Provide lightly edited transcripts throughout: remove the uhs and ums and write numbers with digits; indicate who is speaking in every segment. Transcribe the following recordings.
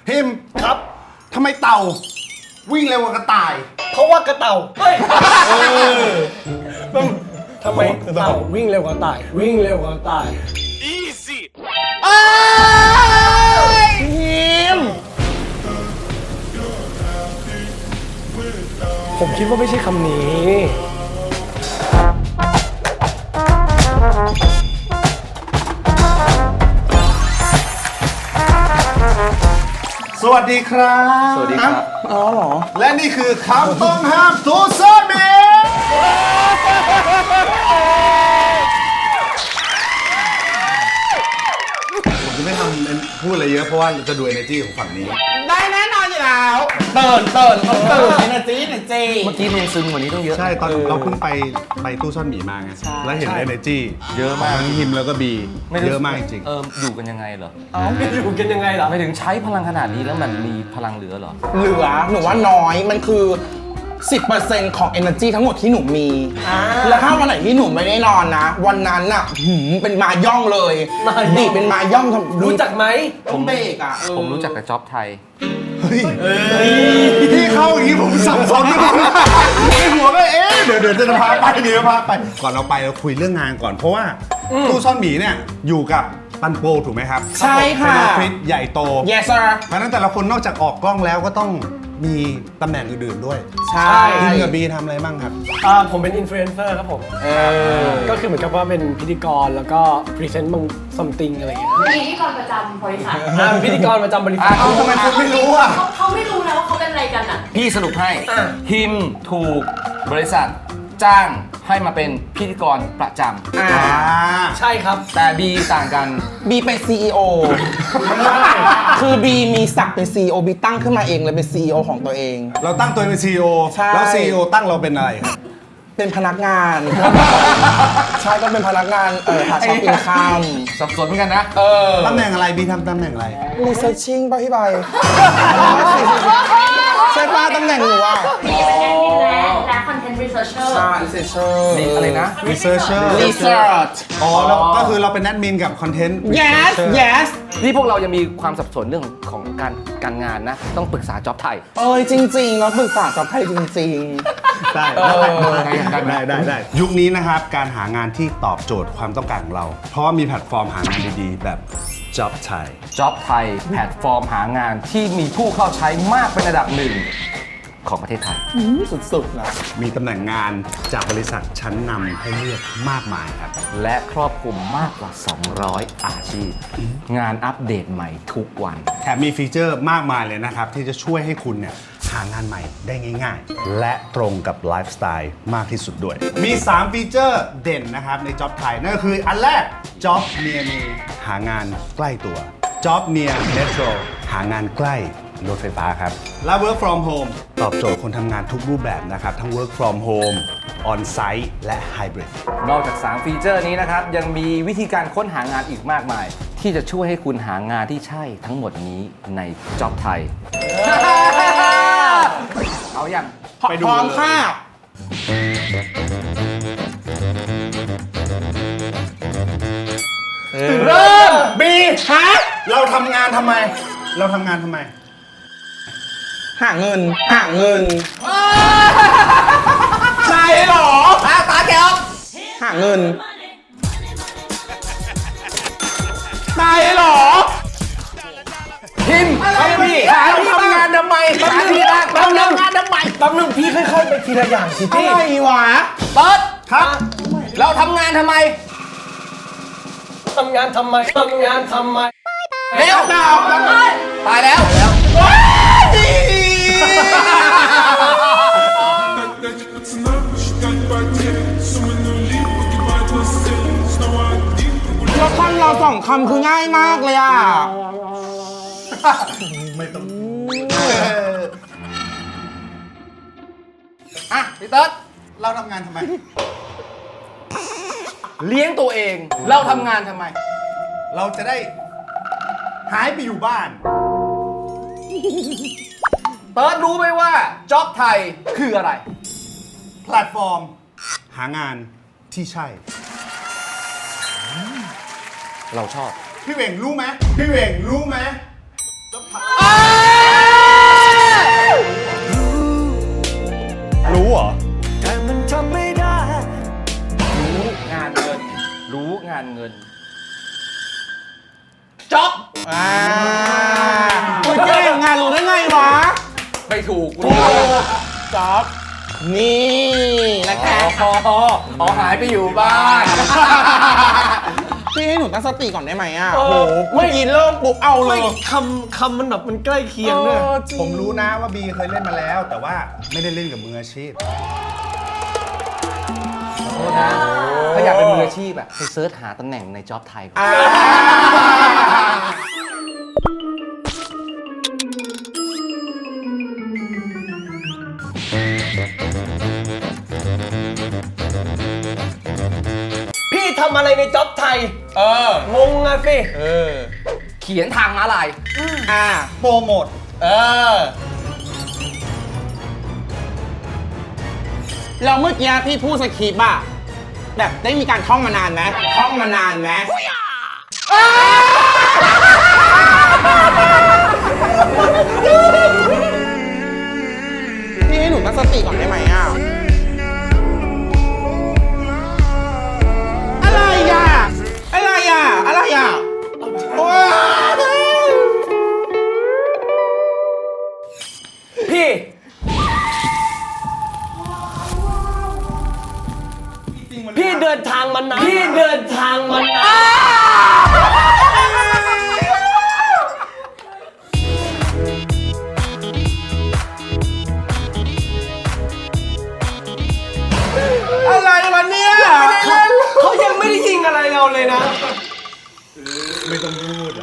Speaker 1: พิมพ์
Speaker 2: ครับ
Speaker 1: ทำไมเต่าวิ่งเร็วกว่ากระต่าย
Speaker 2: เพราะว่ากระเต่าเฮ้ยทำไมเต่าวิ่งเร็วกว่าต่ายวิ่งเร็วกว่าต่าย
Speaker 3: Easy
Speaker 2: พิมผมคิดว่าไม่ใช่คำนี้
Speaker 1: สวัสดีครับ
Speaker 4: สวัสดีครับ
Speaker 2: อ๋อเหรอ
Speaker 1: และนี่คือคำต้องห้ามทูซาเมผมจะไม่ทำพูดอะไรเยอะเพราะว่าจะดู energy ของฝั่งนี้
Speaker 4: ได้แน่นอนอยู่แล้วตื่นenergy
Speaker 5: เมื่อกี้เพลงซึมกว่านี้ต้องเยอะ
Speaker 1: ใช่ตอนเราเพิ่งไปตู้ซ่อนหมีมาไงแล้วเห็น energy
Speaker 5: เยอะมาก
Speaker 1: ทั้งฮิมแล้วก็บี
Speaker 5: รู้
Speaker 1: เยอะมากจริง
Speaker 5: อยู่กันยังไงเหรอ
Speaker 2: อยู่กันยังไงล่ะ
Speaker 5: ไม่ถึงใช้พลังขนาดนี้แล้วมันมีพลังเหลือเหรอ
Speaker 4: เหลือหนูว่าน้อยมันคือ 10% ของ energy ทั้งหมดที่หนูมี แล้วถ้าวันไหนที่หนูไม่ได้นอนนะ วันนั้นน่ะเป็นมาย่องเลยดีเป็นมาย่องทำ
Speaker 2: รู้จักไหม
Speaker 4: ผมเบรกอ่ะ
Speaker 5: ผมรู้จักแต่จ็อบไทย
Speaker 1: เฮ้ยพี่เข้าอย่างนี้ผมสับสนไปหมดในหัวก็เดี๋ยวจะพาไปก่อนเราไปเราคุยเรื่องงานก่อนเพราะว่าตู้ซ่อนหมีเนี่ยอยู่กับปันโปถูกไหมครับ
Speaker 4: ใช่ค่ะ
Speaker 1: เป็นออฟฟิศใหญ่โต
Speaker 4: yes sir
Speaker 1: เพราะฉะนั้นแต่ละคนนอกจากออกกล้องแล้วก็ต้องมีตำแหน่งอื่นๆด้วย
Speaker 4: ใช่
Speaker 1: พิมกับบีทำอะไรบ้างครับ
Speaker 2: ผมเป็นอินฟลูเอนเซอร์ครับผมก็คือเหมือนกับว่าเป็นพิธีกรแล้วก็พรีเซนต์บาง something อะไรอย่างเงี้ย
Speaker 6: พิธีกรประจำบริษัท
Speaker 2: เป็นพิธีกรประจำบริษัท
Speaker 1: เอ้าทำไมคุณไม่รู้อ่ะ
Speaker 6: เขาไม่รู้นะว่าเขาเป็นอะไรกันอ่ะ
Speaker 5: พี่สรุปให้ฮิมถูกบริษัทจ้างให้มาเป็นพิธีกรประจำ
Speaker 2: ใช่ครับ
Speaker 5: แต่บีต่างกัน
Speaker 4: บีเป็น CEO คือบีมีศักดิ์เป็น CEO บีตั้งขึ้นมาเองเลยเป็น CEO ของตัวเอง
Speaker 1: เราตั้งตัวเป็น CEO
Speaker 4: ใช่
Speaker 1: แล้ว CEO ตั้งเราเป็นอะไรครับ
Speaker 4: เป็นพนักงาน ใช่ก็เป็นพนักงานหาช็อปอินคัม
Speaker 5: สับสนเหมือนกันนะ
Speaker 1: ตำแหน่งอะไรบีทำตำแหน่งอะไร
Speaker 4: researching ป่ะพี่ใบ ใช่ป้าตำแหน่งหนูอ่ะ
Speaker 6: และคอนเทนต์รีเสิร์ชเชอร์
Speaker 4: ใช่ researcher
Speaker 5: นี่อะไรนะ
Speaker 1: researcher
Speaker 4: research
Speaker 1: อ๋อแล้วก็คือเราเป็นแอดมินกับคอนเทนต์
Speaker 4: yes yes
Speaker 5: นี่พวกเรายังมีความสับสนเรื่องของการงานนะ ต้องปรึกษาจ็อบไทย
Speaker 4: จริงๆแล้วปรึกษากับไทยจริง
Speaker 1: ได้ได้ยุคนี้นะครับการหางานที่ตอบโจทย์ความต้องการของเรา เพราะว่ามีแพลตฟอร์มหางานดีๆ แบบ Job Thai
Speaker 5: จ็อบไทยแพลตฟอร์มหางานที่มีผู้เข้าใช้มากเป็นระดับหนึ่งของประเทศไทย
Speaker 4: ๆ สุดๆนะ
Speaker 1: มีตำแหน่งงานจากบริษัทชั้นนำให้เลือกมากมายครับ
Speaker 5: และครอบคลุมมากกว่า 200 อาชีพ งานอัปเดตใหม่ทุกวัน
Speaker 1: แถมมีฟีเจอร์มากมายเลยนะครับ ที่จะช่วยให้คุณเนี่ยหางานใหม่ได้ง่ายๆ และตรงกับไลฟ์สไตล์มากที่สุดด้วย มี 3 ฟีเจอร์เด่นนะครับใน Job Thai นั่นก็คืออันแรก Job Near Me หางานใกล้ตัว Job Near Metro หางานใกล้รถไฟฟ้าครับ และ Work from Home ตอบโจทย์คนทำงานทุกรูปแบบนะครับ ทั้ง Work from Home On-site และ Hybrid
Speaker 5: นอกจาก 3 ฟีเจอร์นี้นะครับ ยังมีวิธีการค้นหางานอีกมากมาย ที่จะช่วยให้คุณหางานที่ใช่ทั้งหมดนี้ในจ็อบไทย เอาอย่าง
Speaker 1: ไปดู
Speaker 4: พร้อม
Speaker 1: เลย
Speaker 4: ค่ะ
Speaker 1: เริ่ม
Speaker 4: บีฮะ
Speaker 1: เราทำงานทำไม
Speaker 4: หาเงินใช่เหรอตาแก้วหาเงินตายเหรอ
Speaker 5: พิมพ์อะไรพี่หาที่ทำงานทำไมหาที่ทำงานทำไม
Speaker 2: แป๊บนึงพี่ค่อยๆไปทีละอย่างสิ
Speaker 4: อะ
Speaker 2: พี่
Speaker 4: ไรวะ
Speaker 5: เปิด
Speaker 1: ครับ
Speaker 5: เราทำงานทำไม
Speaker 2: ทำงานทำไม
Speaker 5: เร็วตายแล้ว
Speaker 4: แล้วคำเราสองคำคือง่ายมากเลยอ่ะ
Speaker 5: อ่ะพี่เติร์ด
Speaker 1: เราทำงานทำไม
Speaker 5: เลี้ยงตัวเอง เราทำงานทำไม
Speaker 1: เราจะได้หายไปอยู่บ้าน
Speaker 5: เติร์ดรู้ไหมว่าจ็อบไทยคืออะไร
Speaker 1: แพลตฟอร์ม หางานที่ใช่
Speaker 5: เราชอบ
Speaker 1: พี่เหว่งรู้ไหม พี่เหว่งรู้ไหม
Speaker 5: อ้าการเงินจ็อบ
Speaker 4: คุณแย่งงานรู้ได้ไงวะ
Speaker 5: ไม่ถูก
Speaker 4: จ๊อบนี่นะคะ
Speaker 5: อ๋อหายไปอยู่บ้าน
Speaker 4: พี่ให้หนูตั้งสติก่อนได้ไหมอ่ะ
Speaker 2: เออ
Speaker 4: โอ้โหเมื่อกี้เริ่มปุ๊บเอาเล
Speaker 2: ไม่
Speaker 4: ย
Speaker 2: คำมันแบบมันใกล้เคียงด้วย
Speaker 4: จริง
Speaker 1: ผมรู้นะว่าบีเคยเล่นมาแล้ว แต่ว่าไม่ได้เล่นกับมืออาชีพ
Speaker 5: โทษนะถ้าอยากเป็นมืออาชีพอะไปเซิร์ชหาตำแหน่งในจ็อบไทยก่อน
Speaker 4: อ่า
Speaker 2: พี่ทำอะไรในจ็อบไทย
Speaker 4: เออ
Speaker 2: งงอะสิ
Speaker 4: เออ
Speaker 5: เขียนทางม้าลาย
Speaker 1: โปรโมท
Speaker 4: เออแล้วเมื่อกี้พี่พูดสคริปต์อะแบบได้มีการท่องมานานไหมท่องมานานไหมพี่ให้หนูตั้งสติก่อนได้ไหมอ่ะ อะไรอ่ะ อะไรอ่ะ อะไรอ่ะว้าว
Speaker 2: พี่ พี่เดินทางมานานพี่เดินทางมานาน
Speaker 4: อะไรวะเนี่ย
Speaker 2: เขายังไม่ได้ยิงอะไรเราเลยนะ
Speaker 1: ไม่ต้องพูดอ่ะ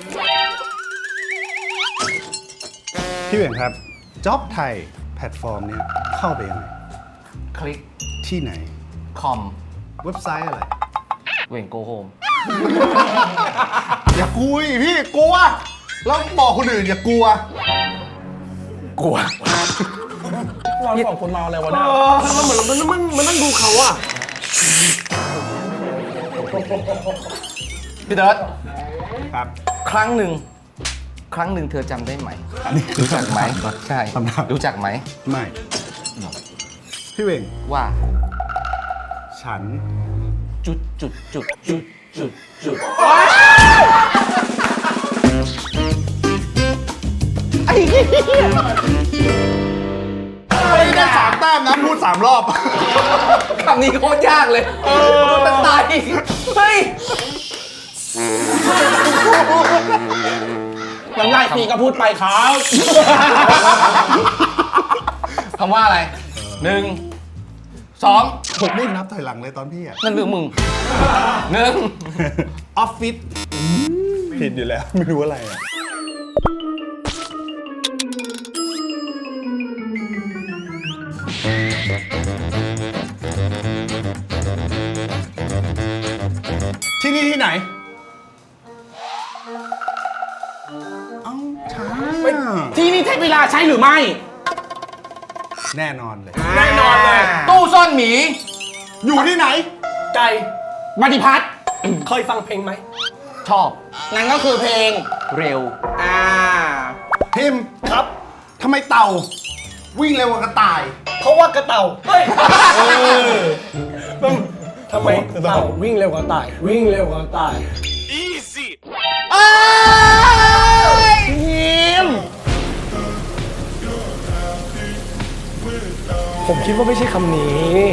Speaker 1: พี่เหวี่ยงครับจ็อบไทยแพลตฟอร์มเนี้ยเข้าไปยังไง
Speaker 5: คลิก
Speaker 1: ที่ไหน
Speaker 5: คอม
Speaker 1: เว็บไซต์อะไร
Speaker 5: เว่งโกโฮม
Speaker 1: อย่าคุยพี่กลัว แล้วบอกคนอื่นอย่ากลัว
Speaker 5: กลัว
Speaker 4: เราสองคนเมาอะไรวะ
Speaker 2: เอ
Speaker 4: เนี่ย
Speaker 2: อมันเหมือนมันนั่งดูเขาอะ
Speaker 5: พี่เติร์ด
Speaker 1: ครับ
Speaker 5: ครั้งหนึ่งเธอจำได้ไหม รู้จักไหมใช่
Speaker 1: คำถาม
Speaker 5: รู้จักไหม
Speaker 1: ไม่ พี่เหว่ง
Speaker 5: ว่า
Speaker 1: ฉัน
Speaker 5: จุด
Speaker 4: ไอ้เหี้ย
Speaker 1: ไม่ได้3 แต้มนะพูด3 รอบ
Speaker 5: คำนี้โคตรยากเลยมันตายเฮ้ย
Speaker 4: น้ำลายฟรีก็พูดไปครับ
Speaker 5: คำว่าอะไร 1 2
Speaker 1: ผมไม่นับถอยหลังเลยตอนพี่อ่ะ
Speaker 5: นั่นเรื่องมึง
Speaker 1: ออฟฟิศผิดอยู่แล้ว ไม่รู้อะไรอ่ะ ที่นี่ที่ไหน เอ้าช้า
Speaker 4: ที่นี่เทพเวลาใช่หรือไม่
Speaker 1: แน่นอนเลย
Speaker 2: แน่นอนเลย
Speaker 5: ตู้ซ่อนหมี
Speaker 1: อยู่ที่ไหน
Speaker 2: ไก่
Speaker 4: ปฏิพัฒน์
Speaker 2: เคยฟังเพลงไหม
Speaker 5: ชอบ
Speaker 4: นั่นก็คือเพลง
Speaker 5: เร็ว
Speaker 1: พิมพ์ครับ ทำไมเต่า วิ่งเร็วกว่ากระต่าย
Speaker 2: เพราะว่ากระเต่าเฮ้ยทำไมเต่าวิ่งเร็วกว่าตาย วิ่งเร็วกว่าตาย
Speaker 4: พิมพ์
Speaker 2: ผมคิดว่าไม่ใช่คำนี้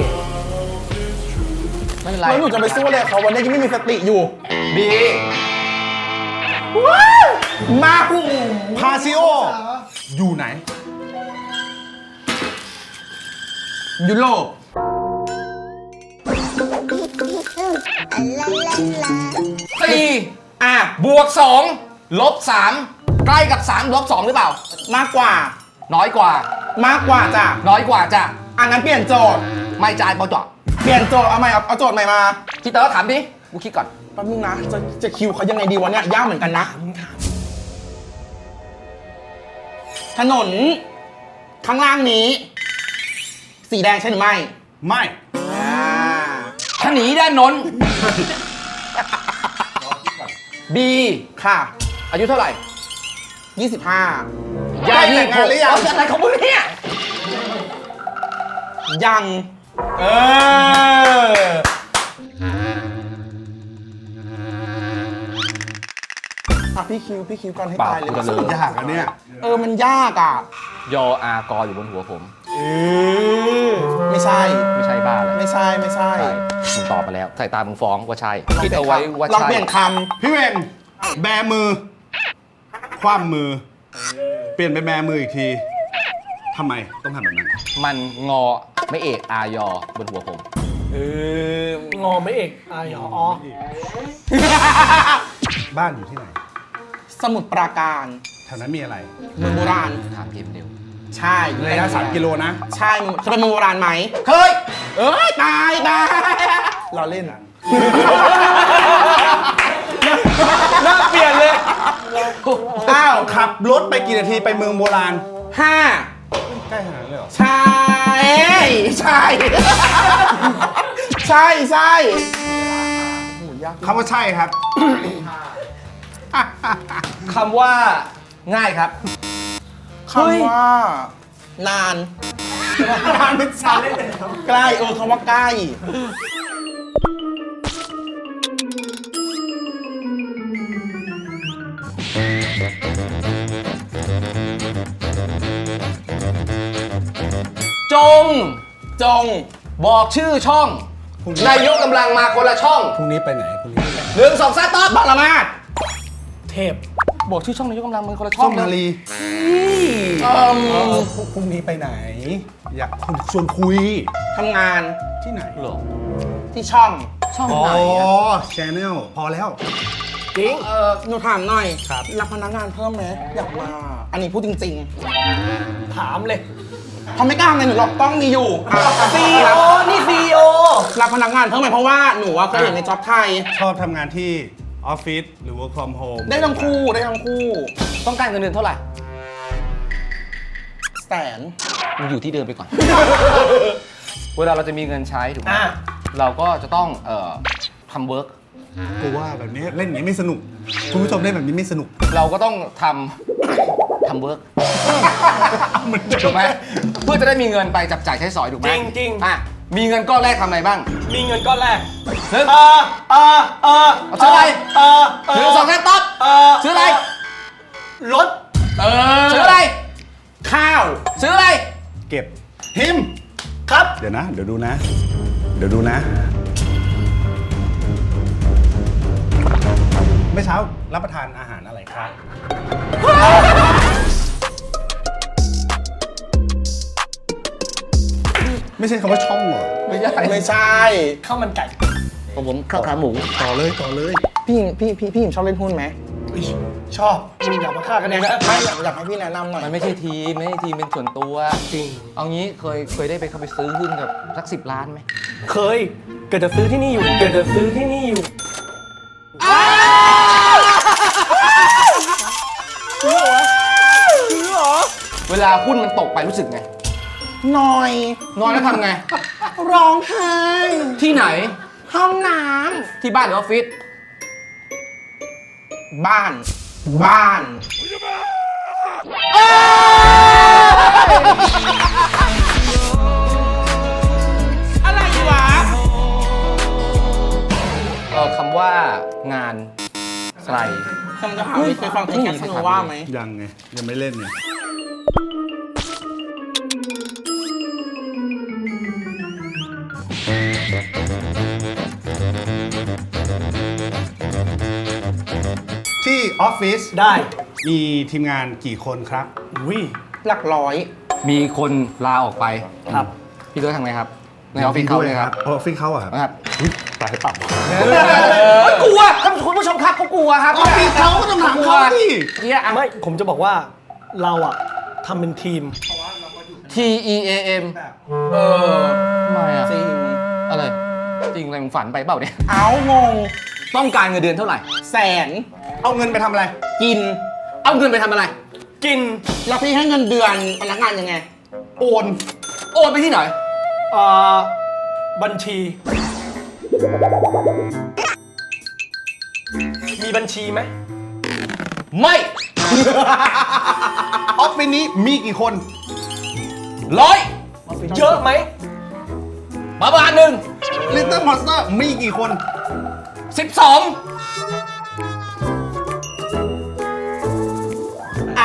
Speaker 5: ไม่เป็นไร
Speaker 4: แล้วหนูจะไปสู้เลยเขาวันนี้ยังไม่มีสติอยู่
Speaker 5: บี
Speaker 4: มา
Speaker 1: พาซิโอ อยู่ไหน
Speaker 4: ยุโรป
Speaker 5: 4 บวก 2 ลบ 3 ใกล้กับ 3 ลบ 2 หรือเปล่า
Speaker 4: มากกว่า
Speaker 5: น้อยกว่า
Speaker 4: มากกว่าจ้ะ
Speaker 5: น้อยกว่าจ้ะ
Speaker 4: อันนั้นเปลี่ยนโจทย์
Speaker 5: ไม่จ่ายเปล่าจ่ะ
Speaker 4: เปลี่ยนโจทย์เอาใหม่เอาโจทย์ใหม่มา
Speaker 5: พี่เต๋อถามดิกูคิดก่อน
Speaker 4: แป๊บนึงนะ จะคิวเขายังไงดีวะเนี่ย ยากเหมือนกันนะ ถนน ข้างล่างนี้ สีแดงใช่หรือไม่
Speaker 1: ไม่
Speaker 5: ถ้าหนีด้านนนบี
Speaker 4: ค่ะ
Speaker 5: อายุเท่าไหร่
Speaker 4: 25
Speaker 1: ใกล้แต่งงานหรือยัง
Speaker 5: เอาอะไรของมึงเนี่ย
Speaker 4: ยัง เออพี่คิวก่อนให้
Speaker 5: เปล่า
Speaker 4: ตายเลย
Speaker 5: กูจะลืม
Speaker 1: ยากอันเนี้ย
Speaker 4: มันยากอ่ะ
Speaker 5: ยออากออยู่บนหัวผม
Speaker 4: ไม่ใช่
Speaker 5: ไม่ใช่บ้าเลย
Speaker 4: ไม่ใช่
Speaker 5: ใช่มึงตอบมาแล้วสายตามึงฟ้องว่าใช่ คิดเอาไว้ว่า
Speaker 4: ลอง
Speaker 5: ใช่
Speaker 4: เปลี่ยนค
Speaker 1: พี่เวนแบมือ คว่ำมือ เปลี่ยนไปแบมืออีกทีทำไมต้องทำแบบนั้น
Speaker 5: มันงอไม่เอกอายอบนหัวผม
Speaker 2: งอไม่เอกอายอ๋อ
Speaker 1: บ้านอยู่ที่ไหน
Speaker 4: ำสมุดปราการ
Speaker 1: แถวนั้นมีอะไร
Speaker 4: เมืองโบราณ
Speaker 5: ถามเกมเร็ว
Speaker 4: ใช่
Speaker 1: ระยะ3 กิโลนะ
Speaker 4: ใช่เคยเป็นเมืองโบราณไหม
Speaker 1: เคย
Speaker 4: ตายเราเล่น
Speaker 2: น่าเปลี่ยนเลย
Speaker 1: อ้าว ขับรถไปกี่นาทีไปเมืองโบราณ
Speaker 4: 5
Speaker 1: ใกล้ขนาดนั้นเลยเหรอ
Speaker 4: ใช่ใช่ใช่ใช่โหยาก
Speaker 1: คำว่าใช่ครับ
Speaker 5: คำว่าง่ายครับ
Speaker 4: คำว่า นาน
Speaker 1: นานเป็นสาย
Speaker 4: ใกล้คำว่าใกล้
Speaker 5: จง
Speaker 4: จง
Speaker 5: บอกชื่อช่องนายกกำลังมาคนละช่อง
Speaker 1: พรุ่งนี้ไปไหนพรุ่งนี้ไปไหน
Speaker 5: 1 2 3ตอบ
Speaker 4: บังละมาด
Speaker 2: เทพ
Speaker 5: บอกชื่อช่องนายกกำลังมาคนละช่
Speaker 1: ส้
Speaker 5: อง
Speaker 1: มมารี พรุ่งนี้ไปไหน อยากชวนคุย
Speaker 4: ทำงาน
Speaker 1: ที่ไหน
Speaker 5: เหรอ
Speaker 4: ที่ช่อง
Speaker 5: ช่อง
Speaker 1: อ๋อ
Speaker 5: ไหนอะ
Speaker 1: ชแนลพอแล้ว
Speaker 2: จริง
Speaker 4: หนูถามหน่อย
Speaker 1: ครับ
Speaker 4: รับพนักงานเพิ่มไหมอยากมา อันนี้พูดจริง
Speaker 2: ถามเลย
Speaker 4: ๆเขาไม่กล้าไงหนูหรอกต้องมีอยู่
Speaker 2: CEO นี่ CEO
Speaker 4: รับพนักงานเพิ่มไหมเพราะว่าหนูว่าเคยเห็นในจ็อบไทย
Speaker 1: ชอบทำงานที่ออฟฟิศหรือ work from home
Speaker 4: ได้ทั้งคู่ได้ทั้งคู่
Speaker 5: ต้องการเงินเดือนเท่าไหร่
Speaker 4: แสน
Speaker 5: มึงอยู่ที่เดิมไปก่อน เวลาเราจะมีเงินใช้ถูกไหม
Speaker 2: อ่ะ
Speaker 5: เราก็จะต้องทำเวิร์ก
Speaker 1: กูว่าแบบนี้เล่นอย่างนี้ไม่สนุก คุณผู้ชมเล่นแบบนี้ไม่สนุก
Speaker 5: เราก็ต้องทำเวิร์กถูกไหมเพื่อจะได้มีเงินไปจับจ่ายใช้สอยถูกไหม
Speaker 2: จริง
Speaker 5: อ่ะมีเงินก้อนแรกทำอะไรบ้าง
Speaker 2: มีเงินก้อนแรก
Speaker 5: หนึ่ง
Speaker 2: ซื้ออะไร
Speaker 5: หนึ่งสองสามตอบซื้ออะไร
Speaker 2: รถ
Speaker 5: ซื้ออะไร
Speaker 4: ข้าว
Speaker 5: ซื้ออะไร
Speaker 1: เก็บหิม
Speaker 2: ครับ
Speaker 1: เดี๋ยวนะ เดี๋ยวดูนะ เดี๋ยวดูนะ เมื่อเช้ารับประทานอาหารอะไรครับ ไม่ใช่คำว่าช่องเหรอ
Speaker 5: ไม่ใช่
Speaker 4: ไม่ใช่
Speaker 2: ข้าวมันไก่
Speaker 5: ผมข้าวขาหมู
Speaker 1: ต่อเลยต่อเลย
Speaker 4: พี่หญิงชอบเล่นหุ้นไหม
Speaker 2: ชอบมึงอย่ามาฆ่ากันเองนะ
Speaker 4: ไม่อยากให้พี่แนะนำหน่อย
Speaker 5: มันไม่ใช่ทีมไม่ใช่ทีมเป็นส่วนตัว
Speaker 2: จริง
Speaker 5: เอางี้เคยได้ไปเข้าไปซื้อหุ้นกับสัก10 ล้านไหม
Speaker 2: เคย เกิดจะซื้อที่นี่อยู่ เกิดจะซื้อที่นี่อยู่
Speaker 5: เวลาหุ้นมันตกไปรู้สึกไง
Speaker 4: หน่อย
Speaker 5: นอนแล้วทำไง
Speaker 4: ร้องไห้
Speaker 5: ที่ไหน
Speaker 4: ห้องน้
Speaker 5: ที่บ้านหรือออฟฟิศ
Speaker 4: ำบ้าน บ้าน อะไรวะ
Speaker 5: คำว่างานไกล
Speaker 4: คำจะถามเคยฟังเพลงแคสโนว่าไหม
Speaker 1: ยังไง ยังไม่เล่นไง ที่ออฟฟิศ
Speaker 2: ได้
Speaker 1: มีทีมงานกี่คนครับ
Speaker 2: วิ
Speaker 4: หลักร้อย
Speaker 5: มีคนลาออกไป
Speaker 2: ครับ
Speaker 5: พี่ด้วยทำไงครับ ในออฟฟิศเขาเลยครับ
Speaker 1: ออฟฟิศเขาอะครับ
Speaker 5: นะครับ
Speaker 1: ตายปรับ
Speaker 5: กลัวท่านคุณผู้ชมครับเขากลัวครับ
Speaker 1: ออฟฟิศเขาก็ต้องถามเขาดิ
Speaker 5: เนี่ยอ่ะ
Speaker 2: ไม่ ผมจะบอกว่าเราอะทำเป็นทีม
Speaker 5: TEAM ทำไมอ่ะ
Speaker 4: จริง
Speaker 5: อะไรจริงอะไรมึงฝันไปเปล่าเนี่ย
Speaker 4: เอางง
Speaker 5: ต้องการเงินเดือนเท่าไหร่
Speaker 4: แสน
Speaker 1: เอาเงินไปทำอะไร
Speaker 4: กิน
Speaker 5: เอาเงินไปทำอะไร
Speaker 2: กิน
Speaker 4: แล้วพี่ให้เงินเดือนพนักงานยังไง
Speaker 1: โอน
Speaker 5: โอนไปที่ไหน
Speaker 2: บัญชี มีบัญชีไหม
Speaker 5: ไม่
Speaker 1: ออฟฟิศนี้มีกี่คน
Speaker 5: 100
Speaker 2: เยอะไหม
Speaker 5: ประมาณหนึ่ง
Speaker 1: Little Monster มีกี่คน
Speaker 5: 12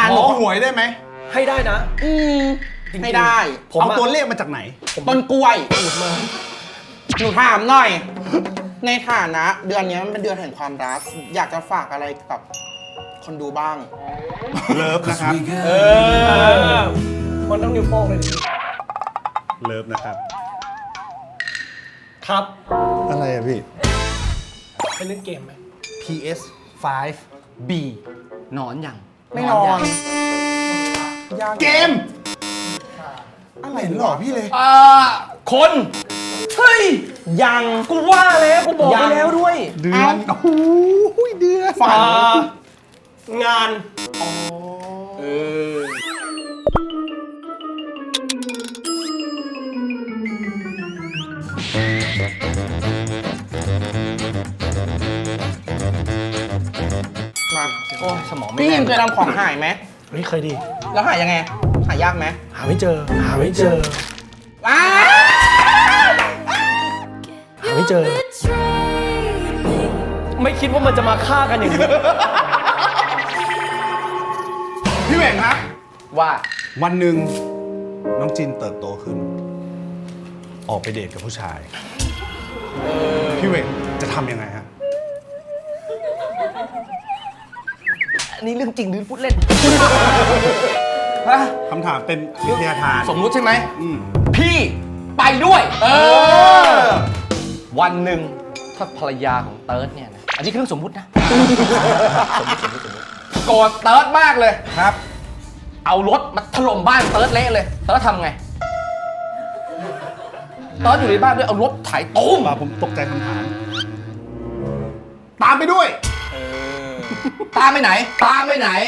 Speaker 1: บอกหวยได้ไหม
Speaker 2: ให้ได้นะ จริงๆ
Speaker 4: ไม่ได้
Speaker 2: ผม
Speaker 1: เอา
Speaker 2: อะ
Speaker 1: ตัวเลขมาจากไหน
Speaker 4: ต้นกล้วยหนูถามหน่อย ในฐานะเดือนนี้มันเป็นเดือนแห่งความรัก อยากจะฝากอะไรกับคนดูบ้าง
Speaker 1: เลิฟนะครับ
Speaker 2: มันต้องนิ้วโป้งเลยดิ
Speaker 1: เลิฟนะครับ
Speaker 2: ครับ
Speaker 1: อะไรอะพี่
Speaker 2: ไปเล่นเกมไหม
Speaker 1: PS 5 B
Speaker 5: นอนยัง
Speaker 4: ไม่นอน
Speaker 1: เกม
Speaker 4: อะไร
Speaker 1: เห็นหลอกพี่เลย
Speaker 5: คน เฮ้ย
Speaker 4: ยัง
Speaker 5: กูว่าแล้วกูบอกไป
Speaker 4: ยัง
Speaker 5: แล้วด้วย
Speaker 1: เดือนโอ้โหเดือน
Speaker 4: ฝัน
Speaker 2: งาน
Speaker 4: มา
Speaker 5: โอ้ยสมองไม่
Speaker 4: พี่
Speaker 5: แน่
Speaker 4: ยิ
Speaker 5: น
Speaker 4: มเคยทำของหายไหม
Speaker 2: เฮ้ยเคยดี
Speaker 4: แล้วหายยังไง หายากไหม
Speaker 2: หาไม่เจอ หาไม่เจอ
Speaker 4: ว้า
Speaker 2: หาไม่เจอ ไม่คิดว่ามันจะมาฆ่ากันอย่างนี้
Speaker 1: พี่เหว่งครับ
Speaker 5: ว่า
Speaker 1: วันหนึ่งน้องจินเติบโตขึ้น ออกไปเดทกับผู้ชาย พี่เหว่งจะทำยังไงฮะ
Speaker 5: อันนี้เรื่องจริงหรือพูดเล่น ฮะ
Speaker 1: คำถามเป็นวิทยาทาน
Speaker 5: สมมุติใช่ไหม
Speaker 1: อืม
Speaker 5: พี่ไปด้วย วันหนึ่งถ้าภรรยาของเติร์ดเนี่ยนะ อันนี้คือเรื่องสมมุตินะ สมมุติโกรธเติร์ดมากเลย
Speaker 1: ครับ
Speaker 5: เอารถมาถล่มบ้านเติร์ดเละเลย เติร์ดทำไง เติร์ดอยู่ในบ้านด้วยเอารถไถตุ้ม
Speaker 1: ผมตกใจคำถาม ตามไปด้วย
Speaker 5: ตามไปไหน ตามไปไหน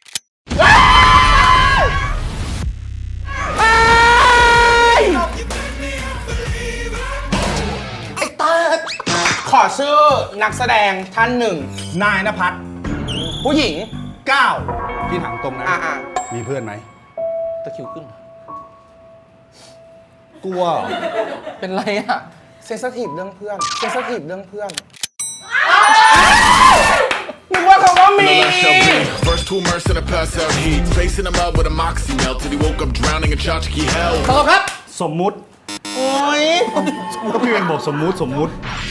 Speaker 4: ขอชื่อนักแสดงท่านหนึ่ง
Speaker 1: นายนภัส
Speaker 4: ผู้หญิง
Speaker 1: 9พี่ถามตรงนะ
Speaker 4: อ่า
Speaker 1: มีเพื่อนไหม
Speaker 5: ตะคริวขึ้น
Speaker 1: กลัว
Speaker 5: เป็นไรอ่ะ
Speaker 4: เซนสทีฟเรื่องเพื่อน เซนสทีฟเรื่องเพื่อน นึกว่าเขาก็มี
Speaker 3: First to immerse in a pass out heat. Facing him up with a moxie melt till he woke up drowning in tchotchke hell.
Speaker 5: ขอบคุณครับ
Speaker 1: สมมุติ
Speaker 4: โอ้ย
Speaker 1: ก็พี่เป็นบอกสมมุติ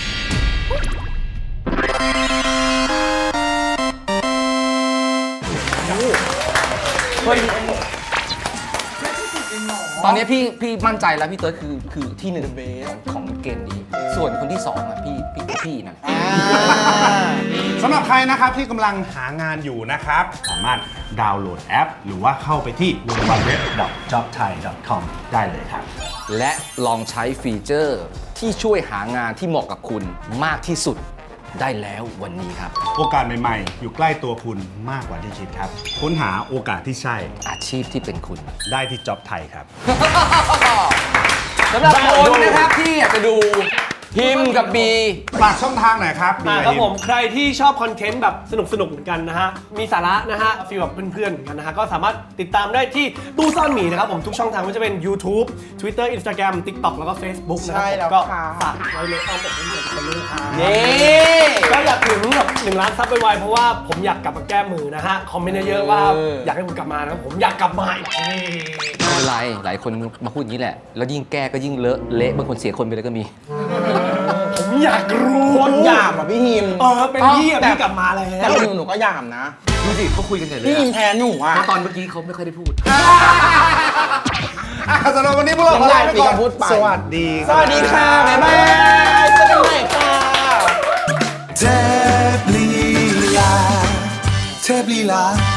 Speaker 5: ตอนนี้พี่มั่นใจแล้วพี่เติร์ดคือที่หนึ่งของเกมนี้ ส่วนคนที่สองอ่ะพี่นั่นแหละ
Speaker 1: สำหรับใครนะครับที่กำลังหางานอยู่นะครับ สามารถดาวน์โหลดแอป หรือว่าเข้าไปที่ www.jobthai.com ได้เลยครับ
Speaker 5: และลองใช้ฟีเจอร์ที่ช่วยหางานที่เหมาะกับคุณมากที่สุดได้แล้ววันนี้ครับ
Speaker 1: โอกาสใหม่ๆ อยู่ใกล้ตัวคุณมากกว่าที่คิดครับ ค้นหาโอกาสที่ใช่
Speaker 5: อาชีพที่เป็นคุณ
Speaker 1: ได้ที่ Job Thai ครับ
Speaker 5: สำหรับคนนะครับที่อยากจะดูพิมพ์กับบี
Speaker 1: ฝากช่องทางหน่อยครับ
Speaker 2: ครับผมใครที่ชอบคอนเทนต์แบบสนุกๆเหมือนกันนะฮะ มีสาระนะฮะฟีลแบบเพื่อนๆเหมือนกันนะฮะ ก็สามารถติดตามได้ที่ตู้ซ่อนหมีนะครับผมทุกช่องทางไม่ว่าจะเป็น YouTube Twitter Instagram TikTok แล้วก็ Facebook นะครั
Speaker 4: ใช่แล้ว
Speaker 2: ก็
Speaker 4: ค่ะ
Speaker 2: ฝากไว้ในอ้อมอกอ้อมใจทุกคนด้วยนะครับ
Speaker 5: นี่
Speaker 2: ก็อยากถึงแบบ1 ล้านซับไวๆเพราะว่าผมอยากกลับมาแก้มือนะฮะ คอมเมนต์เยอะๆว่าอยากให้ผมกลับมานะครับผมอยากกลับมาอีกที
Speaker 5: ไม่เป็นไร หลายคนมาพูดอย่างนี้แหละ แล้วยิ่งแก้ก็ยิ่งเลอะเละบางคนเสียคนไปเลยก็มี
Speaker 2: ผมอยากรู้
Speaker 4: โคตรหยาบอ่ะพี่ฮิม
Speaker 2: เป็นพี่อะพี่กลับมาแล้
Speaker 4: แต่
Speaker 2: ว
Speaker 4: หนูก็หยาบนะ
Speaker 5: ดูสิเขาคุยกันใหญ่เลย
Speaker 4: พี่ฮิมแทนหนูอ่ะ
Speaker 5: เพราะตอนเมื่อกี้เขาไม่ค่อยได้พูด
Speaker 1: สำหรับวันนี้พวกเราขอลาไปก่อน
Speaker 4: พูดไป
Speaker 1: สวัสดี
Speaker 4: สวัสดีค่ะ บ๊ายบายเจอกันใหม่ค่ะ
Speaker 7: เทพลีลา